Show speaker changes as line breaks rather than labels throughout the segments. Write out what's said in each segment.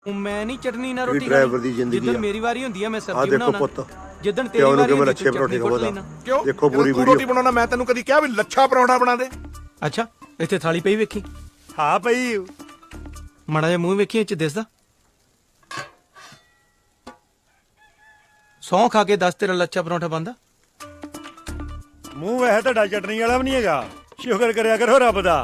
ਮੈਂ ਨਹੀਂ ਚਟਨੀ ਨਾਲ ਰੋਟੀ
ਡਰਾਈਵਰ ਦੀ ਜ਼ਿੰਦਗੀ
ਜਿੱਦਣ ਮੇਰੀ ਵਾਰੀ ਹੁੰਦੀ ਆ ਮੈਂ
ਆ
ਸਬਜ਼ੀ
ਦੇਖੋ
ਬਣਾਉਣਾ
ਪੁੱਤ
ਜਿੱਦਣ ਤੇਰੀ ਵਾਰੀ ਹੁੰਦੀ
ਲੱਛੇ ਪਰੌਂਠੇ ਖਵਾਉਂਦਾ
ਕਿਉਂ
ਦੇਖੋ ਪੂਰੀ
ਤੂੰ
ਵੀਡੀਓ
ਰੋਟੀ ਬਣਾਉਣਾ ਮੈਂ ਤੈਨੂੰ ਕਦੀ ਕਿਹਾ ਵੀ ਲੱਛਾ ਪਰੌਂਠਾ ਬਣਾ ਦੇ।
ਅੱਛਾ ਇੱਥੇ ਥਾਲੀ ਪਈ ਵੇਖੀ
ਹਾਂ ਪਈ
ਮਾੜਾ ਜਿਹਾ ਮੂੰਹ ਵੇਖੀ ਇੱਥੇ ਦਿਸਦਾ ਸੌਂ ਖਾ ਕੇ ਦੱਸ ਤੇਰਾ ਲੱਛਾ ਪਰੌਂਠਾ ਬੰਦਾ
ਮੂੰਹ ਵੈਸੇ ਤੁਹਾਡਾ ਚਟਨੀ ਵਾਲਾ ਵੀ ਨਹੀਂ ਹੈਗਾ ਸ਼ੁਕਰ ਕਰਿਆ ਕਰੋ ਰੱਬ ਦਾ।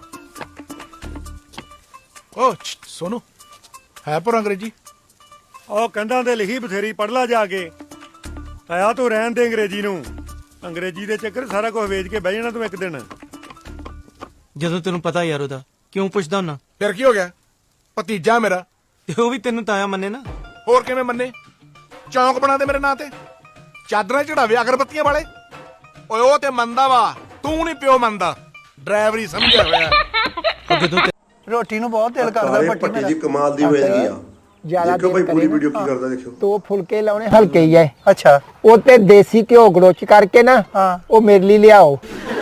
ਓ ਸੋਨੂ ਹੈ ਪਰ ਅੰਗਰੇਜ਼ੀ
ਉਹ ਕੰਧਾਂ ਤੇ ਲਿਖੀ ਬਥੇਰੀ ਪੜ ਲਾ ਜਾ ਕੇ ਆਇਆ ਤੂੰ ਰਹਿਣ ਦੇ ਅੰਗਰੇਜ਼ੀ ਨੂੰ ਅੰਗਰੇਜ਼ੀ ਦੇ ਚੱਕਰ ਸਾਰਾ ਕੁਝ ਵੇਚ ਕੇ ਬਹਿ ਜਾਣਾ ਤੂੰ ਇੱਕ ਦਿਨ।
ਜਦੋਂ ਤੈਨੂੰ ਪਤਾ ਯਾਰ ਉਹਦਾ ਕਿਉਂ ਪੁੱਛਦਾ ਹੁੰਨਾ
ਫਿਰ ਕੀ ਹੋ ਗਿਆ ਭਤੀਜਾ ਮੇਰਾ
ਤੇ ਉਹ ਵੀ ਤੈਨੂੰ ਤਾਇਆ ਮੰਨੇ ਨਾ
ਹੋਰ ਕਿਵੇਂ ਮੰਨੇ ਚੌਂਕ ਬਣਾ ਦੇ ਮੇਰੇ ਨਾਂ ਤੇ ਚਾਦਰਾਂ ਚੜਾਵੇ ਅਗਰਬੱਤੀਆਂ ਵਾਲੇ ਓਏ ਉਹ ਤੇ ਮੰਨਦਾ ਵਾ ਤੂੰ ਨਹੀਂ ਪਿਓ ਮੰਨਦਾ ਡਰਾਈਵਰੀ ਸਮਝਿਆ ਹੋਇਆ
ਉਹ ਜਦੋਂ
ਰੋਟੀ ਨੂੰ ਬਹੁਤ ਦਿਲ ਕਰਦਾ
ਪੱਟੀ ਜੀ ਕਮਾਲ ਦੀ ਹੋ ਜਾਂਦੀ ਆ
ਜਿਆਦਾ
ਦੇਖੋ ਭਾਈ ਪੂਰੀ ਵੀਡੀਓ ਕੀ ਕਰਦਾ ਦੇਖਿਓ
ਦੋ ਫੁਲਕੇ ਲਾਉਣੇ ਹਲਕੇ ਹੀ ਐ
ਅੱਛਾ
ਉਹ ਤੇ ਦੇਸੀ ਘਿਓ ਗੜੋਚ ਕਰਕੇ ਨਾ
ਹਾਂ
ਉਹ ਮੇਰੇ ਲਈ ਲਿਆਓ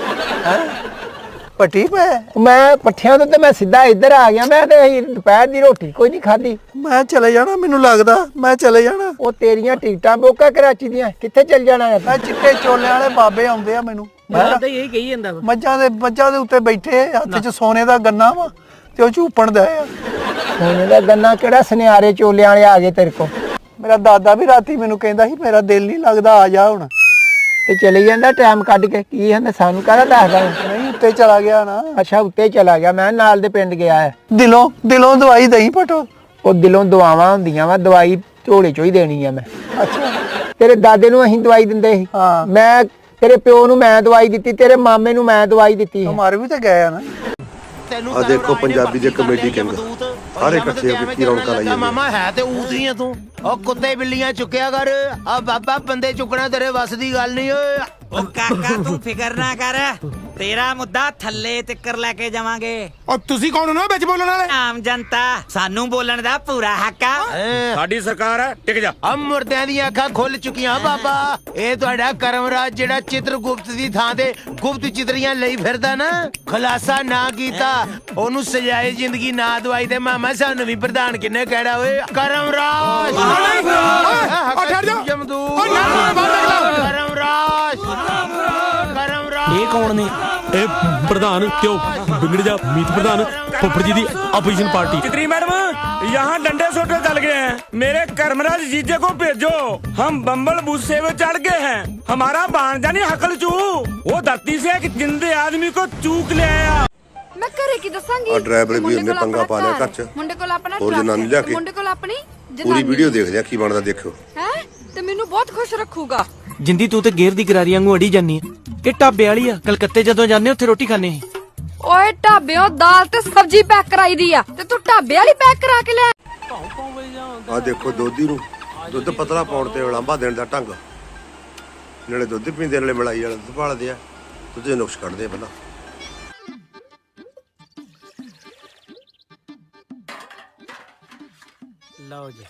ਪੱਟੀ ਪੈ
ਮੈਂ ਪੱਠਿਆਂ ਤੋਂ ਤੇ ਮੈਂ ਸਿੱਧਾ ਇੱਧਰ ਆ ਗਿਆ ਮੈਂ ਤੇ ਦੁਪਹਿਰ ਦੀ ਰੋਟੀ ਕੋਈ ਨਹੀਂ ਖਾਧੀ
ਮੈਂ ਚਲੇ ਜਾਣਾ ਮੈਨੂੰ ਲੱਗਦਾ ਮੈਂ ਚਲੇ ਜਾਣਾ
ਉਹ ਤੇਰੀਆਂ ਟਿਕਟਾਂ ਬੋਕਾ ਕਰਾਚੀ ਦੀਆਂ ਕਿੱਥੇ ਚੱਲ ਜਾਣਾ ਹੈ
ਮੈਂ ਚਿੱਟੇ ਚੋਲਿਆਂ ਵਾਲੇ ਬਾਬੇ ਆਉਂਦੇ ਆ ਮੈਨੂੰ
ਤਾਂ ਇਹੀ ਕਹੀ ਜਾਂਦਾ
ਮੱਝਾਂ ਦੇ ਉੱਤੇ ਬੈਠੇ ਹੱਥ 'ਚ ਸੋਨੇ ਦਾ ਗੰਨਾ ਵਾ ਤੇ ਉਹ ਝੂਪਣ ਦਾ ਆ
ਸੋਨੇ ਦਾ ਗੰਨਾ ਕਿਹੜਾ ਸੁਨਿਆਰੇ ਚੋਲਿਆਂ ਵਾਲੇ ਆ ਗਏ ਤੇਰੇ ਕੋ
ਮੇਰਾ ਦਾਦਾ ਵੀ ਰਾਤੀ ਮੈਨੂੰ ਕਹਿੰਦਾ ਸੀ ਮੇਰਾ ਦਿਲ ਨਹੀਂ ਲੱਗਦਾ ਆ ਜਾ ਹੁਣ
ਤੇ ਚਲੇ ਜਾਂਦਾ ਟਾਈਮ ਕੱਢ ਕੇ ਕੀ ਹੰਦੇ ਸਾਨੂੰ ਕਾਹਦਾ ਦੱਸਦਾ
ਨਹੀਂ ਉੱਤੇ ਚਲਾ ਗਿਆ ਨਾ
ਅੱਛਾ ਉੱਤੇ ਚਲਾ ਗਿਆ ਮੈਂ ਨਾਲ ਦੇ ਪਿੰਡ ਗਿਆ ਹੈ
ਦਿਲੋਂ ਦਵਾਈ ਦਈ ਪਟੋ
ਉਹ ਦਿਲੋਂ ਦੁਆਵਾਂ ਹੁੰਦੀਆਂ ਵਾ ਦਵਾਈ ਝੋਲੇ ਚੋਂ ਹੀ ਦੇਣੀ ਆ ਮੈਂ
ਅੱਛਾ
ਤੇਰੇ ਦਾਦੇ ਨੂੰ ਅਸੀਂ ਦਵਾਈ ਦਿੰਦੇ ਸੀ
ਹਾਂ
ਮੈਂ ਤੇਰੇ ਪਿਓ ਨੂੰ ਮੈਂ ਦਵਾਈ ਦਿੱਤੀ ਤੇਰੇ ਮਾਮੇ ਨੂੰ ਮੈਂ ਦਵਾਈ ਦਿੱਤੀ
ਹਮਾਰੇ ਵੀ ਤਾਂ ਗਏ ਆ ਨਾ
ਆ ਦੇਖੋ ਪੰਜਾਬੀ ਦੇ ਕਮੇਡੀ ਕਿੰਗ ਸਾਰੇ ਇਕੱਠੇ ਹੋ ਕੇ ਕੀ ਰੌਣਕਾਂ ਲਾਈਆਂ
ਮਾਮਾ ਹੈ ਤੇ ਊਤਰੀਆਂ ਤੂੰ ਉਹ ਕੁੱਤੇ ਬਿੱਲੀਆਂ ਚੁੱਕਿਆ ਕਰ ਆ ਬਾਬਾ ਬੰਦੇ ਚੁੱਕਣਾ ਤੇਰੇ ਵੱਸ ਦੀ ਗੱਲ ਨਹੀਂ ਓਏ
ਉਹ ਕਾਕਾ ਤੂੰ ਫਿਕਰ ਨਾ ਕਰ ਤੇਰਾ ਮੁੱਦਾ ਥੱਲੇ ਤਿੱਕਰ ਲੈ ਕੇ ਜਾਵਾਂਗੇ
ਓ ਤੁਸੀਂ ਕੌਣ ਹੋ ਨਾ ਵਿੱਚ ਬੋਲਣ ਵਾਲੇ
ਆਮ ਜਨਤਾ ਸਾਨੂੰ ਬੋਲਣ ਦਾ ਪੂਰਾ ਹੱਕ ਆ
ਸਾਡੀ ਸਰਕਾਰ ਹੈ ਟਿਕ ਜਾ
ਆ ਮੁਰਦਿਆਂ ਦੀਆਂ ਅੱਖਾਂ ਖੁੱਲ ਚੁੱਕੀਆਂ ਬਾਬਾ ਇਹ ਤੁਹਾਡਾ ਕਰਮਰਾਜ ਜਿਹੜਾ ਚਿੱਤਰਗੁਪਤ ਦੀ ਥਾਂ ਤੇ ਗੁਪਤ ਚਿਤਰੀਆਂ ਲਈ ਫਿਰਦਾ ਨਾ ਖੁਲਾਸਾ ਨਾ ਕੀਤਾ ਉਹਨੂੰ ਸਜਾਏ ਜ਼ਿੰਦਗੀ ਨਾ ਦਵਾਈ ਦੇ ਮਾਮਾ ਸਾਨੂੰ ਵੀ ਪ੍ਰਧਾਨ ਕਿੰਨੇ ਕਹਿੜਾ ਓਏ ਕਰਮਰਾਜ
ਠਹਿਰ ਜਾ
ਜਮਦੂਤ
ਓ ਨਾ
ਕਰਮਰਾਜ
ਇਹ ਕੌਣ ਨੇ
ਇਹ ਪ੍ਰਧਾਨ ਕਿਉਂ ਬਿਗੜ ਜਾ ਮੀਤ ਪ੍ਰਧਾਨ ਫੁੱਫੜ ਜੀ ਦੀ ਆਪੋਜੀਸ਼ਨ ਪਾर्टी
चित्री मैडम यहाँ डंडे सोटे चल गए हैं मेरे कर्मराज जीजे को भेजो हम बम्बल बुस्से में चढ़ गए हैं हमारा भांजा नहीं हकल चू वो धरती से एक जिंदे आदमी को चूक ले आया
मैं करे की दसांगी
ਆ ਡਰਾਈਵਰ ਵੀ ਉਹਨੇ ਪੰਗਾ ਪਾ ਲਿਆ ਘਰ ਚ
ਮੁੰਡੇ ਕੋਲ ਆਪਣਾ
ਹੋਰ ਜਨਾਨੀ ਲਿਆ ਕੇ
ਮੁੰਡੇ ਕੋਲ ਆਪਣੀ
ਪੂਰੀ ਵੀਡੀਓ ਦੇਖਦੇ ਆ ਕੀ ਬਣਦਾ ਦੇਖਿਓ
ਹੈ ਤੇ ਮੈਨੂੰ ਬਹੁਤ ਖੁਸ਼ ਰੱਖੂਗਾ
ਜਿੰਦੀ ਤੂੰ ਤੇ ਗੇਰ ਦੀ ਗਰਾਰੀ ਵਾਂਗੂ ਅੜੀ ਜਾਨੀ ਆ ਇਹ ਢਾਬੇ ਵਾਲੀ ਆ ਕਲਕੱਤੇ ਜਦੋਂ ਜਾਂਦੇ ਉੱਥੇ ਰੋਟੀ ਖਾਣੇ
ਓਏ ਢਾਬਿਓਂ ਦਾਲ ਤੇ ਸਬਜ਼ੀ ਪੈਕ ਕਰਾਈ ਦੀ ਆ ਤੇ ਤੂੰ ਢਾਬੇ ਵਾਲੀ ਪੈਕ ਕਰਾ ਕੇ ਲੈ
ਆ ਦੇਖੋ ਦੋਧੀ ਨੂੰ ਦੁੱਧ ਪਤਲਾ ਪਾਉਣ ਤੇ ਉਲਾਂਭਾ ਦੇਣ ਦਾ ਢੰਗ ਨਾਲੇ ਦੁੱਧ ਪੀਂਦੇ ਨਾਲੇ ਮਲਾਈ ਵਾਲਾ ਦੁੱਧ ਭਾਲਦੇ ਆ ਦੁੱਧ ਦੇ ਨੁਕਸ ਕੱਢਦੇ ਆ ਪਹਿਲਾਂ
ਲਓ ਜੀ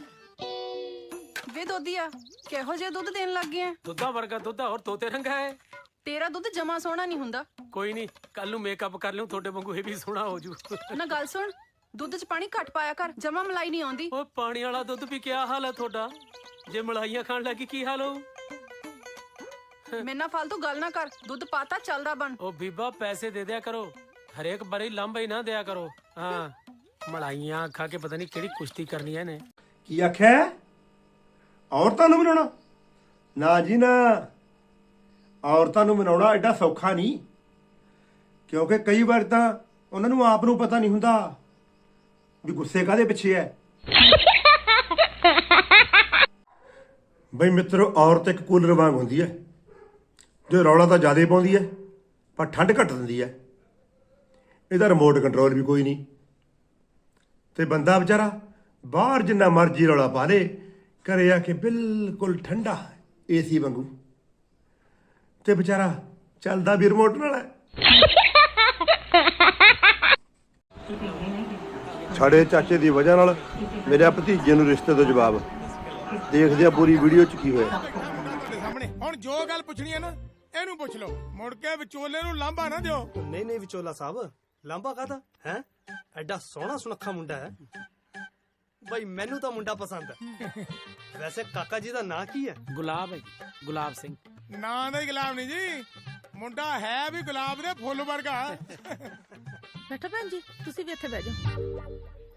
ਵੇ ਦੋਦੀਆ ਕਿਹੋ ਜਿਹਾ ਦੁੱਧ ਦੇਣ ਲੱਗ ਗਿਆ
ਦੁੱਧਾ ਵਰਗਾ ਦੁੱਧਾ ਹੋਰ ਤੋਤੇ ਰੰਗਾ ਹੈ
ਤੇਰਾ ਦੁੱਧ ਜਮਾ ਸੋਹਣਾ ਨਹੀਂ ਹੁੰਦਾ
ਕੋਈ ਨਹੀਂ ਕੱਲ ਨੂੰ ਮੇਕਅਪ ਕਰ ਲਿਓ ਤੁਹਾਡੇ ਵਾਂਗੂ ਇਹ ਵੀ ਸੋਹਣਾ ਹੋ ਜੂ
ਨਾ ਗੱਲ ਸੁਣ ਦੁੱਧ 'ਚ ਪਾਣੀ ਘੱਟ ਪਾਇਆ ਕਰ ਜਮਾ ਮਲਾਈ ਨਹੀਂ ਆਉਂਦੀ
ਓਏ ਪਾਣੀ ਵਾਲਾ ਦੁੱਧ ਵੀ ਕੀ ਹਾਲ ਹੈ ਤੁਹਾਡਾ ਜੇ ਮਲਾਈਆਂ ਖਾਣ ਲੱਗੀ ਕੀ ਹਾਲ ਹੋਊ
ਮੇਰੇ ਨਾਲ ਫालतू ਗੱਲ ਨਾ ਕਰ ਦੁੱਧ ਪਾਤਾ ਚੱਲਦਾ ਬਣ
ਉਹ ਬੀਬਾ ਪੈਸੇ ਦੇ ਦਿਆ ਕਰੋ ਹਰੇਕ ਬਾਰੀ ਲਾਂਭਾ ਹੀ ਨਾ ਦਿਆ ਕਰੋ ਹਾਂ ਮਲਾਈਆਂ ਖਾ ਕੇ ਪਤਾ ਨਹੀਂ ਕਿਹੜੀ ਕੁਸ਼ਤੀ ਕਰਨੀ ਹੈ ਨੇ
ਕੀ ਆਖਿਆ ਔਰਤਾਂ ਨੂੰ ਮਨਾਉਣਾ ਨਾ ਜੀ ਨਾ ਔਰਤਾਂ ਨੂੰ ਮਨਾਉਣਾ ਐਡਾ ਸੌਖਾ ਨਹੀਂ ਕਿਉਂਕਿ ਕਈ ਵਾਰ ਤਾਂ ਉਹਨਾਂ ਨੂੰ ਆਪ ਨੂੰ ਪਤਾ ਨਹੀਂ ਹੁੰਦਾ ਵੀ ਗੁੱਸੇ ਕਾਹਦੇ ਪਿੱਛੇ ਹੈ ਬਈ ਮਿੱਤਰੋ ਔਰਤ ਇੱਕ ਕੂਲਰ ਵਾਂਗ ਹੁੰਦੀ ਹੈ ਜੋ ਰੌਲਾ ਤਾਂ ਜ਼ਿਆਦਾ ਪਾਉਂਦੀ ਹੈ ਪਰ ਠੰਡ ਘੱਟ ਦਿੰਦੀ ਹੈ ਇਹਦਾ ਰਿਮੋਟ ਕੰਟਰੋਲ ਵੀ ਕੋਈ ਨਹੀਂ ਤੇ ਬੰਦਾ ਵਿਚਾਰਾ ਬਾਹਰ ਜਿੰਨਾ ਮਰਜ਼ੀ ਰੌਲਾ ਪਾ ਲੇ ਘਰੇ ਆ ਕੇ ਬਿਲਕੁਲ ਠੰਡਾ ਏਸੀ ਵਾਂਗੂ ਤੇ ਵਿਚਾਰਾ ਚੱਲਦਾ ਵੀ ਰਿਮੋਟ ਨਾਲ ਹੈ
ਸਾਡੇ ਚਾਚੇ ਦੀ ਵਜ੍ਹਾ ਨਾਲ ਮੇਰੇ ਭਤੀਜੇ ਨੂੰ ਰਿਸ਼ਤੇ ਤੋਂ ਜਵਾਬ ਦੇਖਦੇ ਆ ਪੂਰੀ ਵੀਡੀਓ ਚ ਕੀ ਹੋਇਆ
ਸਾਹਮਣੇ ਹੁਣ ਜੋ ਗੱਲ ਪੁੱਛਣੀ ਹੈ ਨਾ ਇਹਨੂੰ ਪੁੱਛ ਲਓ ਮੁੜ ਕੇ ਵਿਚੋਲੇ ਨੂੰ ਲਾਂਭਾ ਨਾ ਦਿਓ
नहीं विचोला साहब लांबा कादा है एडा सोहना सुनखा मुंडा है
ਭਾਈ ਮੈਨੂੰ ਤਾਂ ਮੁੰਡਾ ਪਸੰਦ ਹੈ। ਵੈਸੇ ਕਾਕਾ ਜੀ ਦਾ ਨਾਂ ਕੀ ਹੈ?
ਗੁਲਾਬ ਹੈ ਜੀ, ਗੁਲਾਬ ਸਿੰਘ।
ਨਾਂ ਦਾ ਹੀ ਗੁਲਾਬ ਨਹੀਂ ਜੀ, ਮੁੰਡਾ ਹੈ ਵੀ ਗੁਲਾਬ ਦੇ ਫੁੱਲ ਵਰਗਾ।
ਬੈਠੋ ਭੈਣ ਜੀ, ਤੁਸੀਂ ਵੀ ਇੱਥੇ ਬਹਿ ਜਾਓ।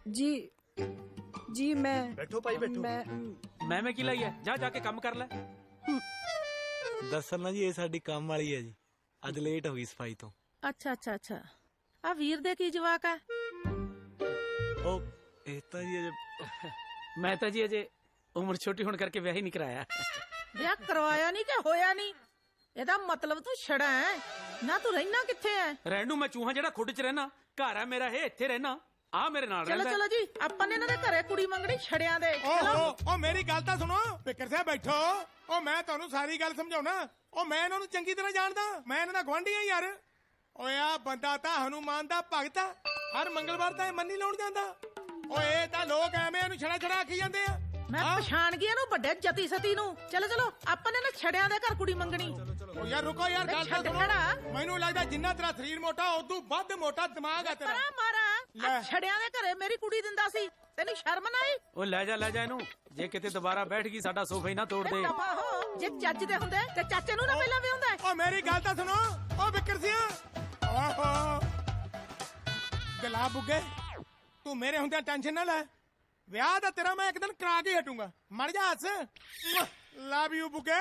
ਜੀ ਮੈਂ
ਬੈਠੋ ਭਾਈ ਬੈਠੋ।
ਮੈਂ ਕੀ ਲਈ ਹੈ? ਜਾ ਕੇ ਕੰਮ ਕਰ ਲੈ।
ਦਰਅਸਲ ਨਾ ਜੀ ਇਹ ਸਾਡੀ ਕੰਮ ਵਾਲੀ ਹੈ ਜੀ, ਅੱਜ ਲੇਟ ਹੋ ਗਈ ਸਫਾਈ ਤੋਂ।
ਅੱਛਾ ਆ ਵੀਰ ਦੇ ਕੀ ਜਵਾਕ ਆ?
ਉਹ ਇਹ ਤਾਂ ਜੀ ਅਜੇ
ਮੈਂ ਤਾਂ ਜੀ ਅਜੇ ਉਮਰ ਛੋਟੀ ਹੋਣ ਕਰਕੇ ਵਿਆਹ ਹੀ ਨਹੀਂ ਕਰਾਇਆ।
ਵਿਆਹ ਕਰਵਾਇਆ ਨਹੀਂ ਕਿ ਹੋਇਆ ਨਹੀਂ? ਇਹਦਾ ਮਤਲਬ ਤੂੰ ਛੜਾ ਹੈ ਨਾ। ਤੂੰ ਰਹਿਣਾ ਕਿੱਥੇ ਹੈ?
ਰਹਿਣ ਨੂੰ ਮੈਂ ਚੂਹਾ ਜਿਹੜਾ ਖੁੱਡ 'ਚ ਰਹਿਣਾ। ਘਰ ਹੈ ਮੇਰਾ, ਇਹ ਇੱਥੇ ਰਹਿਣਾ। ਆ ਮੇਰੇ ਨਾਲ ਰਹਿੰਦਾ।
ਚਲੋ ਜੀ, ਆਪਾਂ ਨੇ ਇਹਨਾਂ ਦੇ ਘਰੇ ਕੁੜੀ ਮੰਗਣੀ ਛੜਿਆਂ ਦੇ।
ਓ ਮੇਰੀ ਗੱਲ ਤਾਂ ਸੁਣੋ, ਫਿਕਰ ਸਾਹਿਬ ਬੈਠੋ। ਓ ਮੈਂ ਤੁਹਾਨੂੰ ਸਾਰੀ ਗੱਲ ਸਮਝਾਉਣਾ। ਓ ਮੈਂ ਇਹਨਾਂ ਨੂੰ ਚੰਗੀ ਤਰ੍ਹਾਂ ਜਾਣਦਾ, ਮੈਂ ਇਹਨਾਂ ਦਾ ਗੁਆਂਢੀ ਆ ਯਾਰ। ਓਏ ਆ ਬੰਦਾ ਤਾਂ ਹਨੂਮਾਨ ਦਾ ਭਗਤ ਆ, ਹਰ ਮੰਗਲਵਾਰ ਤਾਂ ਇਹ ਮੰਨੀ ਲਾਉਣ ਜਾਂਦਾ। ਓਏ ਇਹ ਤਾਂ ਲੋਕ ਐਵੇਂ ਇਹਨੂੰ ਛੜਾ ਆਖੀ ਜਾਂਦੇ ਆ।
ਮੈਂ ਪਛਾਣ ਗਿਆ ਇਹਨੂੰ, ਵੱਡੇ ਜਤੀ ਸਤੀ ਨੂੰ। ਚਲੋ ਆਪਾਂ ਨੇ ਨਾ ਛੜਿਆਂ ਦੇ ਘਰ ਕੁੜੀ ਮੰਗਣੀ।
ਓ ਯਾਰ ਰੁਕੋ ਯਾਰ, ਗੱਲ ਤਾਂ ਸੁਣੋ। ਮੈਨੂੰ ਲੱਗਦਾ ਜਿੰਨਾ ਤੇਰਾ ਸਰੀਰ ਮੋਟਾ ਉਦੋਂ ਵੱਧ ਮੋਟਾ ਦਿਮਾਗ ਆ ਤੇਰਾ।
ਮਾਰਾ ਛੜਿਆਂ ਦੇ ਘਰੇ ਮੇਰੀ ਕੁੜੀ ਦਿੰਦਾ ਸੀ, ਤੈਨੂੰ ਸ਼ਰਮ ਨਾ ਆਈ?
ਉਹ ਲੈ ਜਾ ਇਹਨੂੰ। ਜੇ ਕਿਤੇ ਦੁਬਾਰਾ ਬੈਠ ਗਈ ਸਾਡਾ ਸੋਫਾ ਹੀ ਨਾ ਤੋੜ ਦੇ।
ਜੇ ਚੱਜ ਦੇ ਹੁੰਦੇ ਤੇ ਚਾਚੇ ਨੂੰ ਨਾ ਪਹਿਲਾਂ ਵਿਆਹੁੰਦਾ।
ਓ ਮੇਰੀ ਗੱਲ ਤਾਂ ਸੁਣੋ। ਓ ਵਿਕਰ ਸਿਆ, ਓਹੋ ਗਲਾ ਬੁੱਗੇ, ਤੂੰ ਮੇਰੇ ਹੁੰਦਿਆਂ ਟੈਨਸ਼ਨ ਨਾ ਲੈ। ਵਿਆਹ ਦਾ ਤੇਰਾ ਮੈਂ ਇੱਕ ਦਿਨ ਕਰਾ ਕੇ ਹਟੂੰਗਾ। ਮਰ ਜਾ ਹੱਸ। ਲਵ ਯੂ ਬੁੱਗੇ।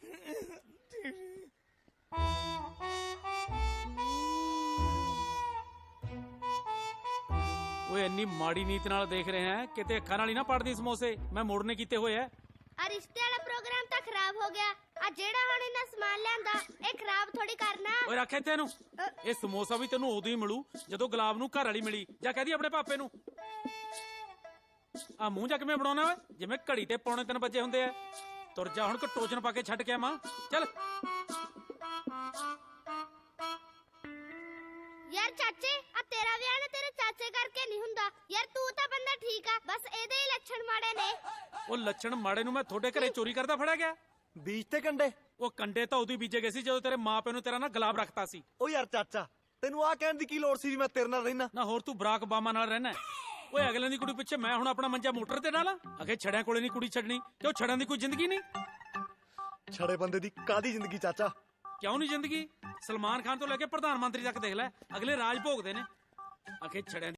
ਓਏ ਇੰਨੀ ਮਾੜੀ ਨੀਤ ਨਾਲ ਦੇਖ ਰਹੇ ਹੈ, ਕਿਤੇ ਅੱਖਾਂ ਨਾਲ ਹੀ ਨਾ ਪੜਦੀ ਸਮੋਸੇ। ਮੈਂ ਮੋੜਨੇ ਕੀਤੇ ਹੋਏ ਐ।
ਆ ਰਿਸ਼ਤੇ ਵਾਲਾ ਪ੍ਰੋਗਰਾਮ ਤਾਂ ਖਰਾਬ ਹੋ ਗਿਆ। ਆ ਜਿਹੜਾ ਹੁਣ ਇਹਨਾਂ ਸਮਾਨ ਲਿਆਂਦਾ ਇਹ ਖਰਾਬ ਥੋੜੀ ਕਰਨਾ।
ਓਏ ਰੱਖ ਇੱਥੇ ਇਹਨੂੰ। ਇਹ ਸਮੋਸਾ ਵੀ ਤੈਨੂੰ ਉਦੋਂ ਹੀ ਮਿਲੂ ਜਦੋਂ ਗੁਲਾਬ ਨੂੰ ਘਰ ਵਾਲੀ ਮਿਲੀ। ਜਾਂ ਕਹਦੀ ਆਪਣੇ ਪਾਪੇ ਨੂੰ। ਆ ਮੂੰਹ ਜਾ ਕਿਵੇਂ ਬਣਾਉਣਾ ਓਏ? ਜਿਵੇਂ ਘੜੀ ਤੇ 2:45 ਵਜੇ ਹੁੰਦੇ ਆ। ਤੁਰ ਜਾ ਹੁਣ, ਟੋਚਨ ਪਾ ਕੇ ਛੱਡ ਕੇ ਆਵਾਂ। ਚੱਲ
ਯਾਰ ਚਾਚੇ, ਆ ਤੇਰਾ ਵਿਆਹ ਨਾ ਤੇਰੇ ਚਾਚੇ ਕਰਕੇ ਨਹੀਂ ਹੁੰਦਾ ਯਾਰ। ਤੂੰ ਤਾਂ ਬੰਦਾ ਠੀਕ ਆ, ਬਸ ਇਹਦੇ ਹੀ ਲੱਛਣ ਮਾੜੇ ਨੇ।
ਉਹ ਲੱਛਣ ਮਾੜੇ ਨੂੰ ਮੈਂ ਤੁਹਾਡੇ ਘਰੇ ਚੋਰੀ ਕਰਦਾ ਫੜਿਆ ਗਿਆ?
ਬੀਜ ਤੇ ਕੰਡੇ?
ਉਹ ਕੰਡੇ ਤਾਂ ਉਦੋਂ ਹੀ ਬੀਜੇ ਗਏ ਸੀ ਜਦੋਂ ਤੇਰੇ ਮਾਪਿਆਂ ਨੂੰ ਤੇਰਾ ਨਾ ਗੁਲਾਬ ਰੱਖਤਾ ਸੀ।
ਉਹ ਯਾਰ ਚਾਚਾ, ਤੈਨੂੰ ਆ ਕਹਿਣ ਦੀ ਕੀ ਲੋੜ ਸੀ ਵੀ ਮੈਂ ਤੇਰੇ ਨਾਲ ਰਹਿਣਾ?
ਨਾ ਹੋਰ ਤੂੰ ਬਰਾਕ ਬਾਮਾ ਨਾਲ ਰਹਿਣਾ। ਓਏ ਅਗਲੇ ਦੀ ਕੁੜੀ ਪਿੱਛੇ ਮੈਂ ਹੁਣ ਆਪਣਾ ਮੰਜਾ ਮੋਟਰ ਤੇ ਡਾਲਾਂ? ਅਗੇ ਛੜਿਆਂ ਕੋਲੇ ਨਹੀਂ ਕੁੜੀ ਛੱਡਣੀ। ਕਿਉਂ ਛੜਿਆਂ ਦੀ ਕੋਈ ਜ਼ਿੰਦਗੀ ਨਹੀਂ?
ਛੜੇ ਬੰਦੇ ਦੀ ਕਾਦੀ ਜ਼ਿੰਦਗੀ ਚਾਚਾ?
ਕਿਉਂ ਨਹੀਂ ਜ਼ਿੰਦਗੀ? ਸਲਮਾਨ ਖਾਨ ਤੋਂ ਲੈ ਕੇ ਪ੍ਰਧਾਨ ਮੰਤਰੀ ਤੱਕ ਦੇਖ ਲੈ, ਅਗਲੇ ਰਾਜ ਭੋਗਦੇ ਨੇ। ਅਗੇ ਛੜਿਆਂ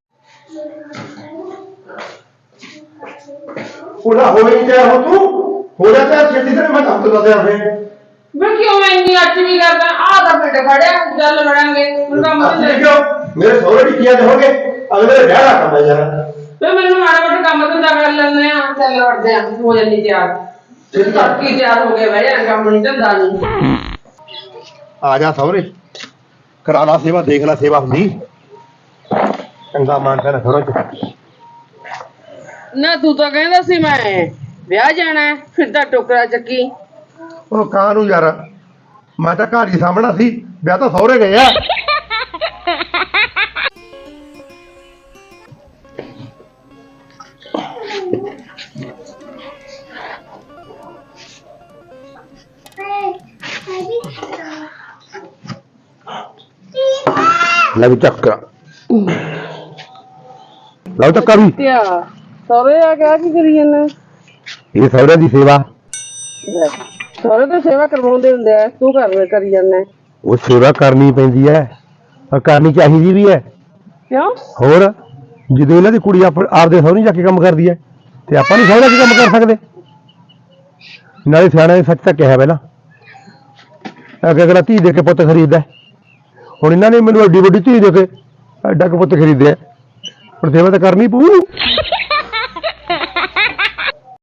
ਉਹਦਾ ਹੋਈ ਕਿਆ ਹੋ ਤੂੰ? ਹੋ ਜਾ ਤੇ ਛੇਤੀ ਤੇ ਮੈਂ ਕੰਮ ਤੋਂ ਦੱਸਿਆ ਫੇ।
ਮੈਂ ਕਿਉਂ ਇੰਨੀ ਅੱਛੀ ਨਹੀਂ ਕਰਦਾ? ਆਹ ਤਾਂ ਪਿੰਡ ਖੜਿਆ, ਚੱਲ ਲੜਾਂਗੇ। ਮੁੰਡਾ ਮੁੰਡੇ
ਮੇਰੇ ਸਹੁਰੇ ਵੀ ਕੀਆ ਹੋਗੇ, ਅਗਲੇ ਦੇ ਵਿਆਹ ਦਾ ਕੰਮ ਹੈ ਯਾਰ।
ਵੇ ਮੈਨੂੰ ਮਾੜਾ ਮੋਟਾ ਕੰਮ ਧੰਦਾ ਕਰ ਲੈਂਦੇ ਆ, ਚੱਲ ਵੜਦੇ ਆ। ਹੋ ਜਾਂਦੀ ਤਿਆਰ, ਤੜਕੀ ਤਿਆਰ ਹੋ ਗਏ। ਬਹਿ ਜਾ, ਕੰਮ ਨਹੀਂ ਧੰਦਾ ਨਹੀਂ।
ਆ ਜਾ ਸਹੁਰੇ, ਕਰਾ ਲਾ ਸੇਵਾ, ਦੇਖ ਲੈ ਸੇਵਾ ਹੁੰਦੀ। ਚੰਗਾ ਮਾਨਸਾ ਨਾ ਥੋੜਾ ਚ।
ਨਾ ਤੂੰ ਤਾਂ ਕਹਿੰਦਾ ਸੀ ਮੈਂ ਵਿਆਹ ਜਾਣਾ, ਫਿਰ ਤਾਂ ਟੋਕਰਾ ਚੱਕੀ।
ਉਹ ਕਾਂ ਨੂੰ ਯਾਰ, ਮੈਂ ਤਾਂ ਘਰ ਹੀ ਸਾਹਮਣਾ ਸੀ, ਵਿਆਹ ਤਾਂ ਸਹੁਰੇ ਗਏ ਆ। ਲੈ ਵੀ ਚੱਕ, ਲਓ ਚੱਕਾ ਵੀ।
ਸਹੁਰੇ ਆ ਗਿਆ, ਕੀ ਕਰੀ ਜਾਂਦਾ?
ਇਹ ਸਹੁਰੇ ਦੀ ਸੇਵਾ।
ਸਹੁਰੇ ਤਾਂ ਸੇਵਾ ਕਰਵਾਉਂਦੇ ਹੁੰਦੇ ਆ, ਤੂੰ ਘਰ ਕਰੀ ਜਾਂਦਾ।
ਉਹ ਸੇਵਾ ਕਰਨੀ ਪੈਂਦੀ ਹੈ, ਪਰ ਕਰਨੀ ਚਾਹੀਦੀ ਵੀ ਹੈ।
ਕਿਉਂ?
ਹੋਰ ਜਦੋਂ ਇਹਨਾਂ ਦੀ ਕੁੜੀ ਆਪਦੇ ਸਹੁਰੇ ਜਾ ਕੇ ਕੰਮ ਕਰਦੀ ਹੈ ਤੇ ਆਪਾਂ ਨਹੀਂ ਸਹੁਰੇ ਚ ਕੰਮ ਕਰ ਸਕਦੇ? ਨਾਲੇ ਸਿਆਣਾ ਨੇ ਸੱਚ ਤਾਂ ਕਿਹਾ ਪਹਿਲਾਂ, ਅੱਗੇ ਅਗਲਾ ਧੀ ਦੇ ਕੇ ਪੁੱਤ ਖਰੀਦਦਾ। ਹੁਣ ਇਹਨਾਂ ਨੇ ਮੈਨੂੰ ਐਡੀ ਵੱਡੀ ਧੀ ਦੇ ਕੇ ਐਡਾ ਕੁ ਪੁੱਤ ਖਰੀਦਿਆ, ਹੁਣ ਸੇਵਾ ਤਾਂ ਕਰਨੀ ਪਊ।